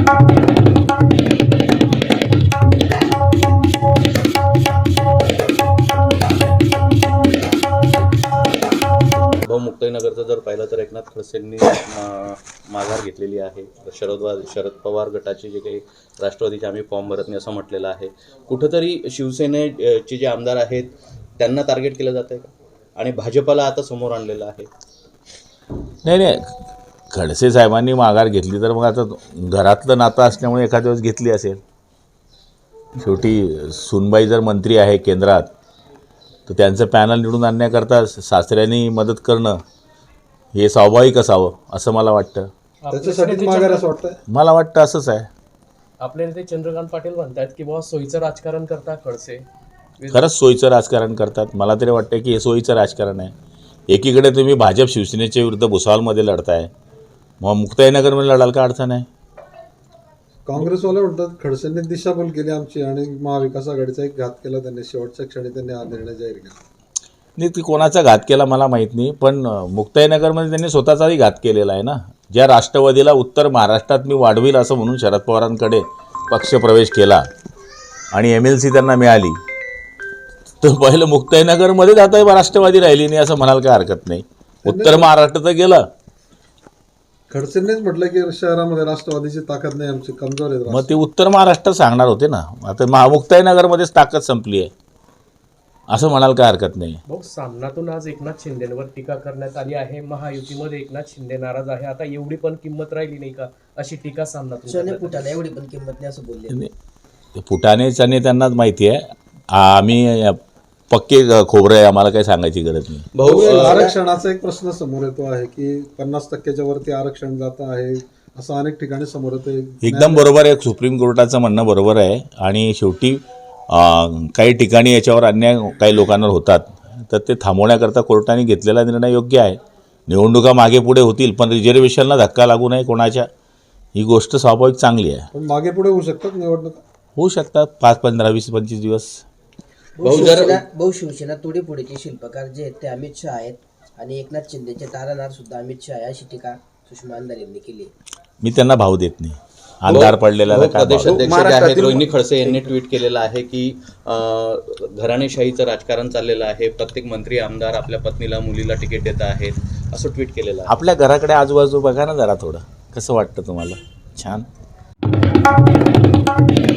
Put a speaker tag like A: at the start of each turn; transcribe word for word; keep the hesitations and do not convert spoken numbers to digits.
A: भाऊ, मुक्ताईनगरचं जर पाहिलं तर एकनाथ खडसेंनी माघार घेतलेली आहे. शरद शरद पवार गटाचे जे काही राष्ट्रवादीचे आम्ही फॉर्म भरत नाही असं म्हटलेलं आहे. कुठंतरी शिवसेनेचे जे आमदार आहेत त्यांना टार्गेट केलं जात आहे का, आणि भाजपला आता समोर आणलेलं आहे?
B: नाही नाही, खडसे साहेबांनी माघार घेतली तर मग आता घरातलं नातं असल्यामुळे एखाद्या वेळेस घेतली असेल. शेवटी सुनबाई जर मंत्री आहे केंद्रात तर त्यांचं पॅनल निवडून आणण्याकरता सासऱ्यांनी मदत करणं हे स्वाभाविक असावं असं मला वाटतं.
C: त्याच्यासाठी माघार असं वाटतं.
B: मला वाटतं असंच आहे.
D: आपले नेते चंद्रकांत पाटील म्हणतात की बाबा सोयीचं राजकारण करतात खडसे.
B: खरंच सोयीचं राजकारण करतात. मला तरी वाटतं की हे सोयीचं राजकारण आहे. एकीकडे तुम्ही भाजप शिवसेनेच्या विरुद्ध भुसावळमध्ये लढताय, मग मुक्ताईनगरमध्ये लढाल का अडचण आहे?
C: काँग्रेसवाले म्हणतात खडसेंनी दिशाभूल केली आमची आणि महाविकास आघाडीचा एक घात केला त्यांनी. शेवटच्या क्षणी त्यांनी हा निर्णय जाहीर केला.
B: नाही, ती कोणाचा घात केला मला माहीत नाही, पण मुक्ताईनगरमध्ये त्यांनी स्वतःचाही घात केलेला आहे ना. ज्या राष्ट्रवादीला उत्तर महाराष्ट्रात मी वाढवील असं म्हणून शरद पवारांकडे पक्षप्रवेश केला आणि एम एल सी त्यांना मिळाली, तर पहिलं मुक्ताईनगरमध्येच आता राष्ट्रवादी राहिली नाही असं म्हणाल काय हरकत नाही. उत्तर महाराष्ट्र तर गेलं.
C: खडसेंनीच म्हटलं की शहरामध्ये राष्ट्रवादीची ताकद नाही, आमची कमजोर आहे.
B: मग ते उत्तर महाराष्ट्र सांगणार होते ना. आता महा मुक्ताईनगरमध्येच ताकद संपली आहे असं म्हणाल काय हरकत नाही.
D: भाऊ, सामनातून आज एकनाथ शिंदेवर टीका करण्यात आली आहे. महायुतीमध्ये एकनाथ शिंदे नाराज आहे. आता एवढी पण किंमत राहिली नाही का अशी टीका सामनातून.
E: एवढी पण किंमत नाही असं बोलले.
B: फुटाणेच आणि त्यांनाच माहिती आहे. आम्ही पक्के खोबरं आहे, आम्हाला काही सांगायची गरज नाही.
C: भाऊ, आरक्षणाचा एक प्रश्न समोर येतो आहे की पन्नास टक्क्याच्या वरती आरक्षण जात आहे असं अनेक ठिकाणी समोर येतं.
B: एकदम बरोबर आहे. सुप्रीम कोर्टाचं म्हणणं बरोबर आहे. आणि शेवटी काही ठिकाणी याच्यावर अन्याय काही लोकांवर होतात, तर ते थांबवण्याकरता कोर्टाने घेतलेला निर्णय योग्य आहे. निवडणुका मागे पुढे होतील पण रिझर्वेशनला धक्का लागू नये कोणाच्या, ही गोष्ट स्वाभाविक चांगली आहे.
C: पण मागे पुढे होऊ शकतात निवडणुका,
B: होऊ शकतात पाच पंधरा वीस पंचवीस दिवस.
E: बहु शिवसेना तोडीफोडीचे शिल्पकार जे आहेत ते अमित शहा आहेत आणि एकनाथ शिंदेचे तारानार सुद्धा अमित शहा आहे अशी टीका सुषमा अंधारे यांनी केली.
B: मी त्यांना भाव देत नाही. अंधार पडलेला
A: प्रदेशाध्यक्ष जे आहेत रोहिणी खडसे यांनी ट्विट केलेलं आहे की घराणेशाहीचं राजकारण चाललेलं आहे. प्रत्येक मंत्री आमदार आपल्या पत्नीला मुलीला तिकीट देत आहेत असं ट्विट केलेलं आहे.
B: आपल्या घराकडे आजूबाजू बघा ना जरा, थोडं कसं वाटतं तुम्हाला? छान.